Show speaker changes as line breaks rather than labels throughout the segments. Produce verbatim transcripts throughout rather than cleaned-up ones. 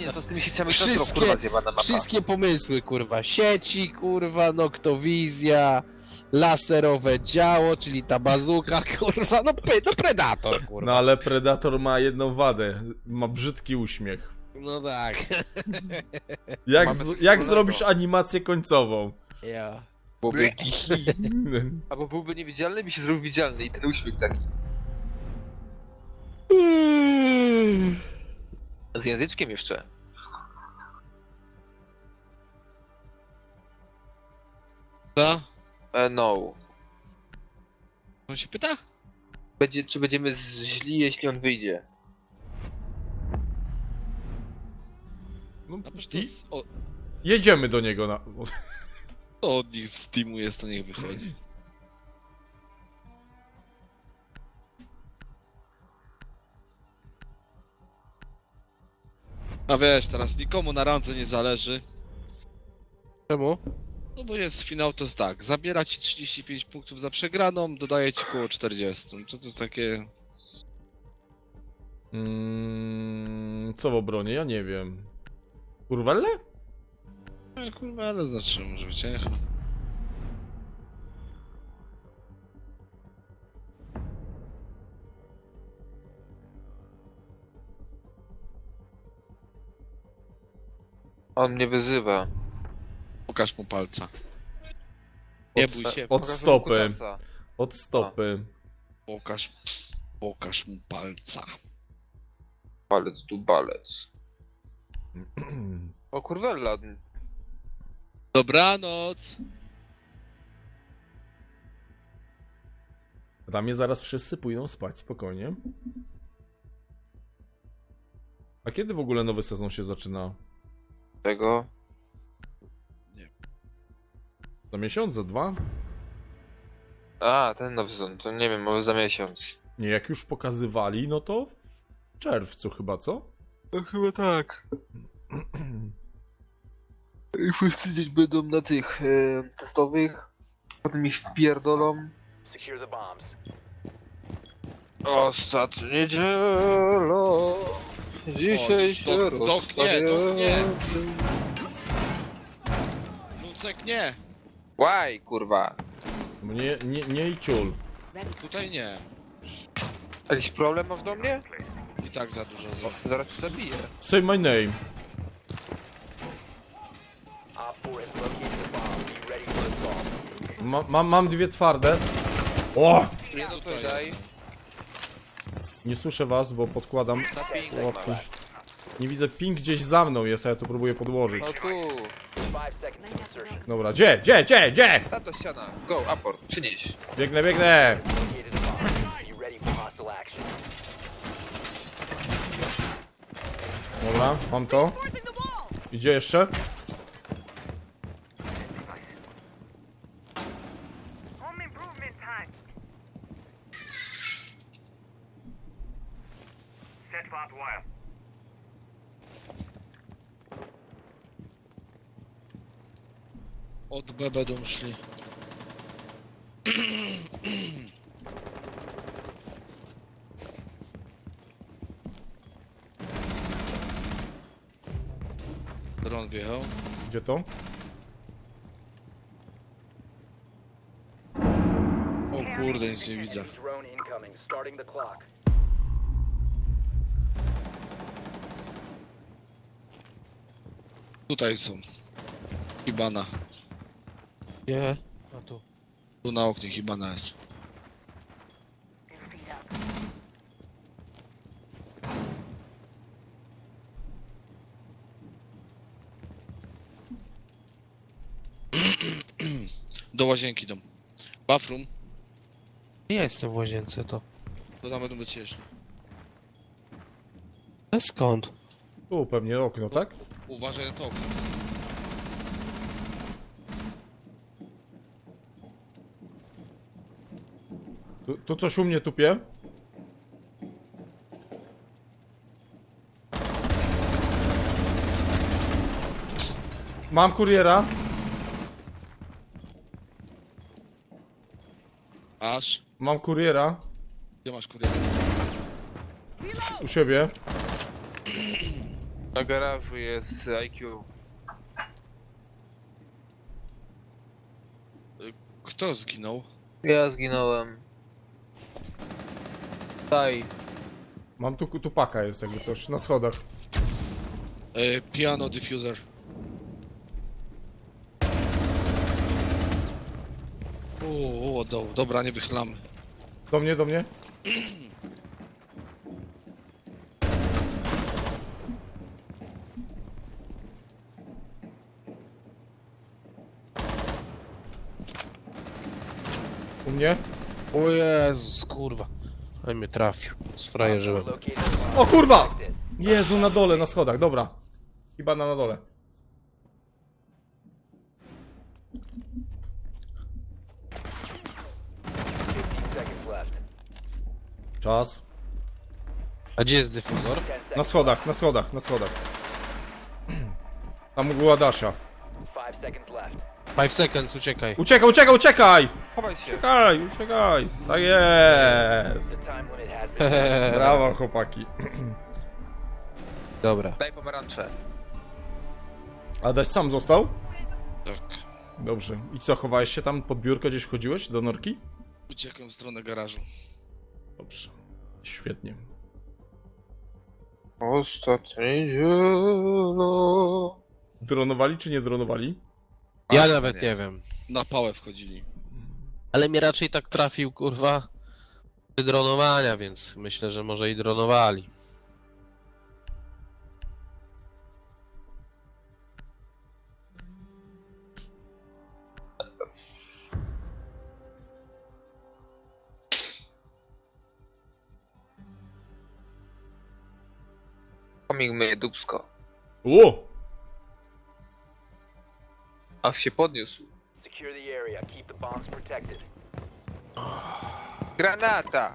no to z tymi sieciami to jest kurwa zjebana mapa.
Wszystkie pomysły, kurwa. Sieci, kurwa, noktowizja, laserowe działo, czyli ta bazuka, kurwa, no, pe, no Predator, kurwa.
No ale Predator ma jedną wadę. Ma brzydki uśmiech.
No tak.
Jak,
Mamy
z, jak
wspólnego.
zrobisz animację końcową?
Ja.
Byłby albo byłby niewidzialny, by się zrobił widzialny i ten uśmiech taki. Z języczkiem jeszcze.
Co?
E, no.
On się pyta?
Będzie, czy będziemy z- źli, jeśli on wyjdzie?
No,
A przecież to
i
jest, o,
jedziemy do niego na...
to od nich z teamu jest, to niech wychodzi. A wiesz, teraz nikomu na randze nie zależy.
Czemu?
No bo jest finał, to jest tak, zabiera ci trzydzieści pięć punktów za przegraną, dodaje ci koło czterdzieści. To to jest takie...
Mm, co w obronie? Ja nie wiem. Kurwelle?
No kurwa, ale znaczy, może być echo.
On mnie wyzywa.
Pokaż mu palca. Nie
Od,
bój się,
od
Pokażę mu
stopy.
kutasa.
Od stopy.
pokaż, pokaż mu palca.
Palec tu balec. O kurwella.
Dobranoc!
Dla mnie zaraz wszyscy pójdą spać, spokojnie. A kiedy w ogóle nowy sezon się zaczyna?
Tego.
Za miesiąc, za dwa?
A, ten nowy sezon, to nie wiem, może za miesiąc.
Nie, jak już pokazywali, no to w czerwcu chyba, co?
No chyba tak. I wszyscy gdzieś będą na tych e, testowych. Potem ich wpierdolą. Ostatnia niedziela. Dzisiaj
O,
się
dok- dok- nie, dok- nie.
rozstaniemy.
Lucek nie!
Łaj, kurwa.
Bo nie, nie, nie i ciul.
Tutaj nie.
Jakiś problem masz do mnie?
I tak za dużo za...
Zaraz cię zabiję.
Say my name. Ma, mam, mam dwie twarde. O!
Nie, no to
Tutaj.
daj.
Nie słyszę was, bo podkładam.
Na ping
Łapku.
masz.
Nie widzę, ping gdzieś za mną jest, a ja to próbuję podłożyć.
No tu.
Dobra, gdzie, gdzie, gdzie, gdzie?
Ta to ściana. Go, aport. Przynieś.
Biegnę, biegnę. Dobra, mam to. Idzie jeszcze?
Home improvement time. Set barbed wire.
Od B będą szli. Dron wjechał.
Gdzie to?
O kurde, nic nie widzę.
Drone incoming. Starting the clock.
Tutaj są. Hibana.
Nie. A tu.
Tu na oknie Hibana jest. Do łazienki idą. Bathroom.
Nie jestem w łazience, to.
To tam będą być jeszcze.
Ale skąd?
Tu pewnie okno, tak?
Uważaj na to okno.
Tu, tu coś u mnie tupie. Mam kuriera.
Aż.
Mam kuriera.
Gdzie masz kuriera?
U siebie.
Na garażu jest I Q.
Kto zginął?
Ja zginąłem. Daj.
Mam tu, tu paka jest jakby coś, na schodach.
E, piano diffuser. O, o, do, dobra, nie wychylamy.
Do mnie, do mnie. U mnie?
O Jezus, kurwa. Ale mnie trafił. Sfrajerzyłem.
Located a bomb.
O kurwa!
Protect it.
Jezu, na dole, na schodach, dobra. Chyba na, na dole.
fifteen seconds left.
Czas.
A gdzie jest dyfuzor?
ten
Na
seconds.
schodach, na schodach, na schodach. Tam była Dasia.
five seconds left.
five seconds, uciekaj.
Uciekaj, uciekaj, uciekaj!
Chowaj się.
Uciekaj, uciekaj! Tak jest!
The time limit has been.
Brawo, chłopaki.
Dobra.
Daj pomarańcze.
A Daś sam został?
Tak.
Dobrze. I co, chowałeś się tam pod biurko, gdzieś wchodziłeś do norki?
Uciekłem w stronę garażu.
Dobrze. Świetnie.
Ostatnie zielono.
Dronowali czy nie dronowali?
Ja
A,
nawet nie wiem.
Na pałę wchodzili.
Ale mnie raczej tak trafił, kurwa, przy dronowania, więc myślę, że może i dronowali.
Komik myje dupsko.
O!
Aż się podniósł.
Secure the area. Keep the bombs protected.
Granata!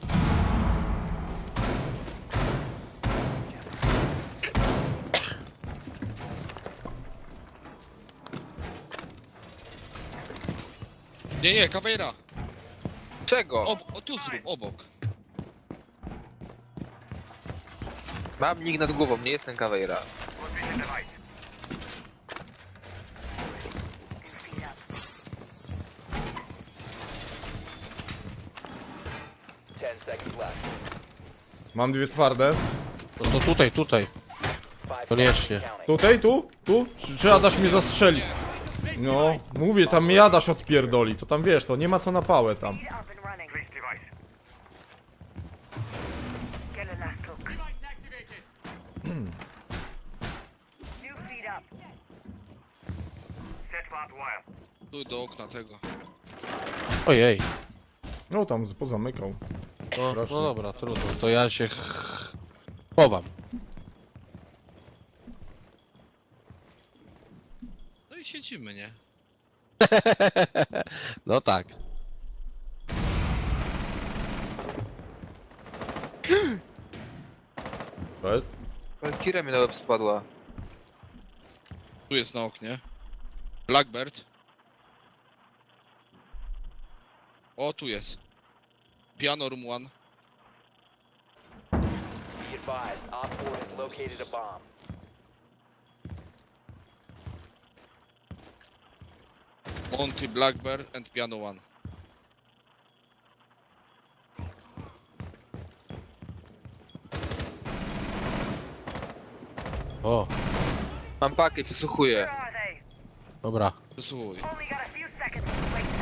Nie, nie, kawejra!
Czego?
Ob, o, tu zrób, obok.
Mam nick nad głową, nie jestem kawejra.
Position device.
ten seconds left.
Mam dwie twarde.
No to tutaj, tutaj.
five
Koniecznie.
seconds counting.
Tutaj, tu? Tu? Czy, czy Adaś mnie zastrzeli? No, mówię, tam mnie Adaś odpierdoli. To tam wiesz, to nie ma co na pałę tam.
Up and running. Place device. Get a last look. Device activated. New feed up. Set barbed wire.
Tu do okna tego.
Ojej.
No tam z- pozamykał.
No,
Proszę.
no dobra, trudno. To ja się ch- chowam.
No i siedzimy, nie?
No tak.
To jest?
Kira mi na łeb spadła.
Tu jest na oknie. Blackbird. O, tu jest. Piano room one.
Be advised. Op four has located a bomb.
Monty, Blackbird and piano one.
O,
Mam pakę, przysłuchuję.
Where are they?
dobra.
Przysłuchuj.
Only got a few seconds to wait.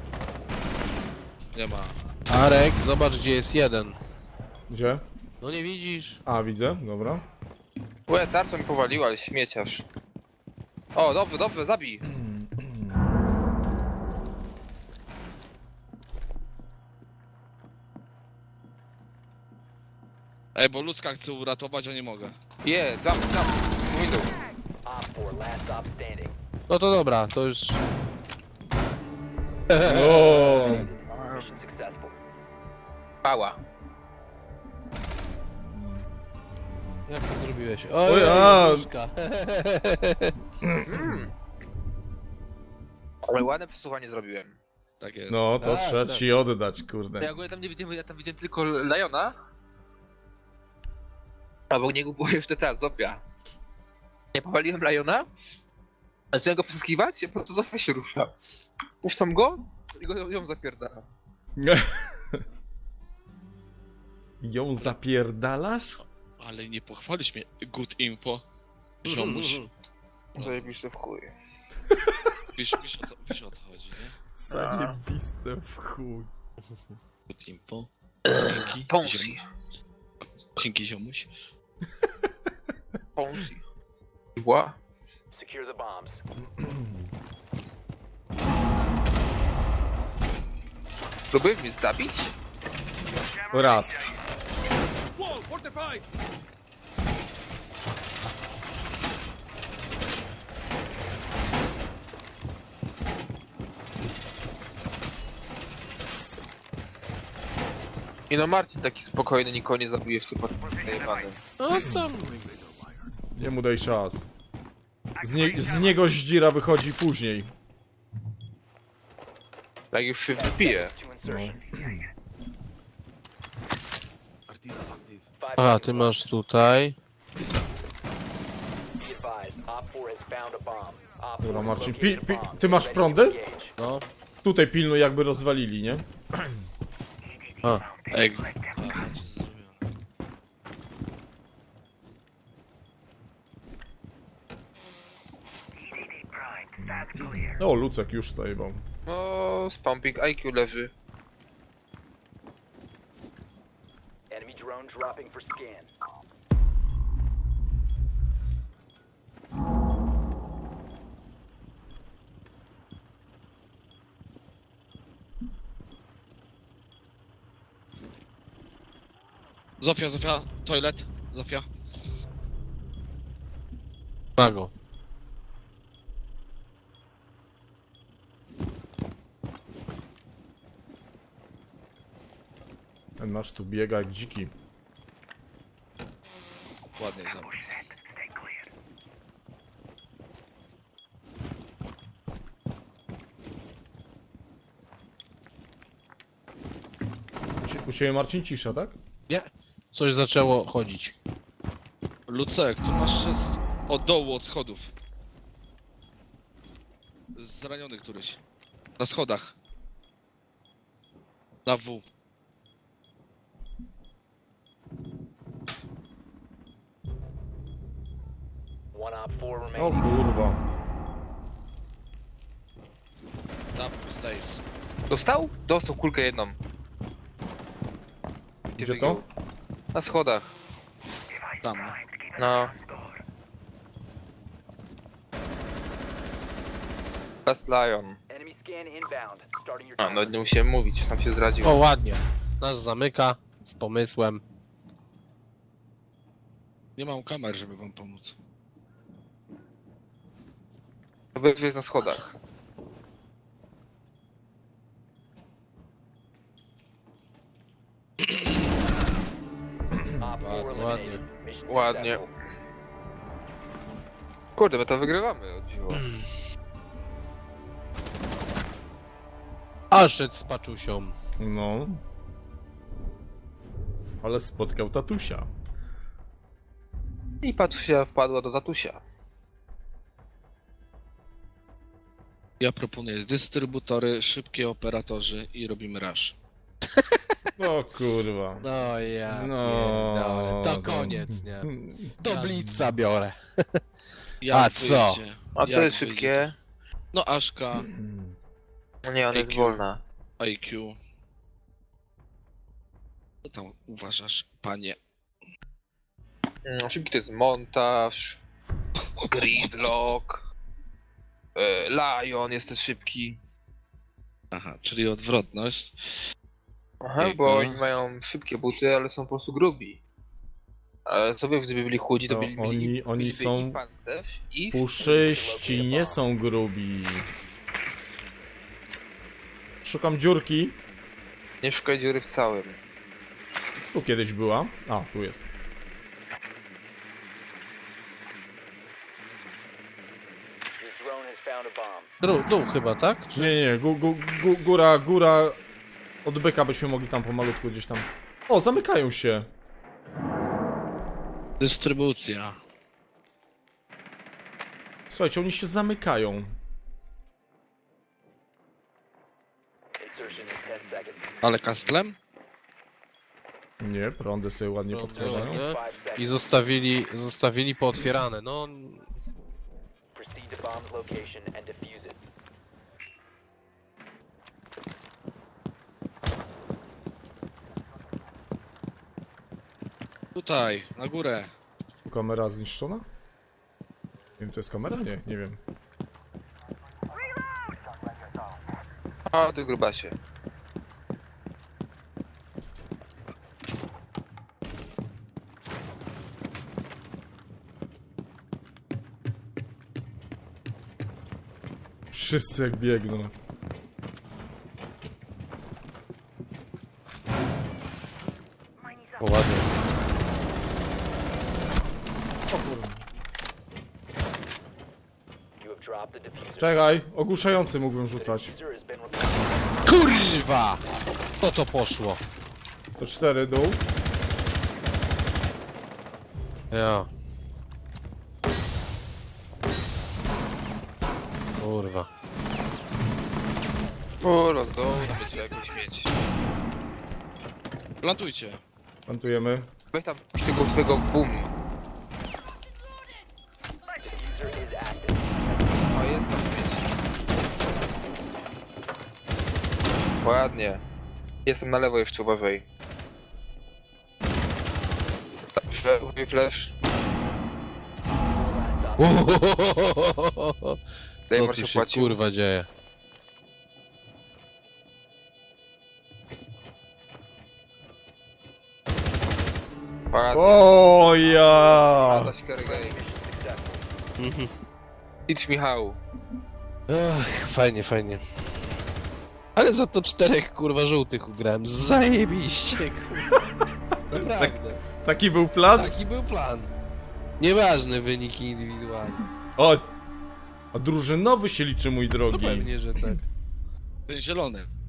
Nie ma.
Arek, zobacz gdzie jest jeden.
Gdzie?
No nie widzisz?
A, widzę, dobra.
Łe, tarczą mi powaliła, ale śmieciarz. O, dobrze, dobrze, zabij.
Ej, bo ludzka chcę uratować, a nie mogę.
Je, jump, jump. Window.
Op four last stop standing.
No to dobra, to już...
O,
Mission successful.
Pała.
Jak to zrobiłeś?
Oj,
Ojej,
a.
nóżka.
Ale ładne przesłuchanie zrobiłem.
Tak jest.
no to
Tak,
trzeba
tak.
ci oddać, kurde.
Ja ogólnie tam nie widziałem, ja tam widziałem tylko Liona. A obok niego była jeszcze ta Zofia. Nie powaliłem Liona, zacząłem go przeskiwać, a po co Zofia się rusza. Puszczam go i go ją zapierdala.
Ją zapierdalasz?
Ale nie pochwalisz mnie, good info. Ziomuś.
Zajebiste w chuj.
Wiesz, wiesz, o co, wiesz o co chodzi, nie?
Zajebiste w chuj.
Good info. Dzięki.
Ponzi.
Ziom- Dzięki ziomuś.
Ponzi. Ła.
Secure the bombs.
Próbujesz mnie zabić?
Raz.
I no Marcin taki spokojny, nikogo nie zabije jeszcze pod zajebany.
No tam...
Nie mu daj czas. Z, nie, z niego zdzira wychodzi później.
Jak już się wypije.
To insertion. Five
A,
seconds
ty
left.
masz tutaj.
Be advised, Op four has found a bomb. Op
Dobra,
four
Marcin,
located
pi-
a
pi-
bomb.
ty masz
Ready to
prądy?
engage.
No.
Tutaj pilnuj, jakby rozwalili, nie?
A,
Ej, aha, co zrobiłem?
O, Lucek już zajebał.
No, z pumping I Q leży.
Enemy drone dropping for scan.
Zofia, Zofia, toilet, Zofia.
ma go.
Ten nasz tu biega jak dziki.
Ładnie zabrał.
U cie- U ciebie Marcin cisza, tak?
Nie. Coś zaczęło chodzić.
Lucek, tu masz szest od dołu, od schodów. Zraniony któryś. Na schodach. Na W.
One Op four
O
remaining.
kurwa.
Double stairs.
Dostał? Dostał kulkę jedną.
Gdzie to?
Na schodach.
Tam. no.
No. Last Lion.
Enemy scan inbound. Starting your
A,
timer.
no nie musiałem mówić, sam się zradził.
O, ładnie. Nas zamyka. Z pomysłem.
Nie mam kamer, żeby wam pomóc.
Obydwie jest na schodach.
Op four
Ładnie.
eliminated. Mission
Ładnie.
successful.
Kurde, my to wygrywamy, o dziwo.
A szedł z paczusią.
No. Ale spotkał tatusia.
I Patrzysia wpadła do tatusia.
Ja proponuję dystrybutory, szybkie operatorzy i robimy rush.
O kurwa.
No ja
No.
pierdolę. To koniec, nie? To blitza biorę.
Jak
A co?
wyjdzie?
A co
Jak
jest
wyjdzie?
szybkie?
No Aszka,
No nie, ona jest
I Q.
wolna.
I Q. Co tam uważasz, panie?
Mm, Szybki to jest montaż. Gridlock. e, Lion jest też szybki.
Aha, czyli odwrotność.
Aha,
Ej,
bo
no.
oni mają szybkie buty, ale są po prostu grubi. Ale co wiesz, gdyby byli chudzi, to
To
byli,
oni-
mieli,
oni
mieliby
są
i pancerz i...
Puszyści, nie są grubi. Szukam dziurki.
Nie szukaj dziury w całym.
Tu kiedyś była. A, tu jest.
Your drone has found a bomb.
Dół, dół chyba, tak? Czy...
Nie, nie, gó, gó, gó, góra, góra. Od byka byśmy mogli tam pomalutku gdzieś tam. O, zamykają się.
Dystrybucja.
Słuchajcie, oni się zamykają.
Insertion in ten seconds.
Ale kastlem?
Nie, prądy sobie ładnie
Prądy
podkładają.
ładnie.
Five
I
seconds.
zostawili, zostawili pootwierane, no...
Proceed to bomb's location and defuse it.
Tutaj, na górę.
Kamera zniszczona? Nie wiem, to jest kamera? Nie, nie wiem.
A, ty grubasie.
Wszyscy jak biegną.
O, ładnie.
You have dropped the diffuser.
Czekaj, ogłuszający mógłbym rzucać.
Diffuser has been recovered.
Kurwa! Co to poszło?
To cztery dół.
Ja. Kurwa.
O, let's go, to będzie jakoś mieć.
Plantujcie.
Plantujemy.
Weź tam puść tego twojego boom.
Diffuser is active.
O, jest tam mieć. Ładnie. Jestem na lewo jeszcze, uważaj. Dobrze, mój flash.
Co
Dajmor
tu
się
się
płacił.
kurwa dzieje?
Ładnie.
O ja!
Adaś Kergej. Idź Michał.
Ach, fajnie, fajnie. Ale za to czterech kurwa żółtych ugrałem. Zajebiście, kurwa. Naprawdę.
Taki był plan?
Taki był plan. Nieważne wyniki indywidualne.
O! A drużynowy się liczy, mój
No
drogi.
pewnie, że tak.
Ten zielony.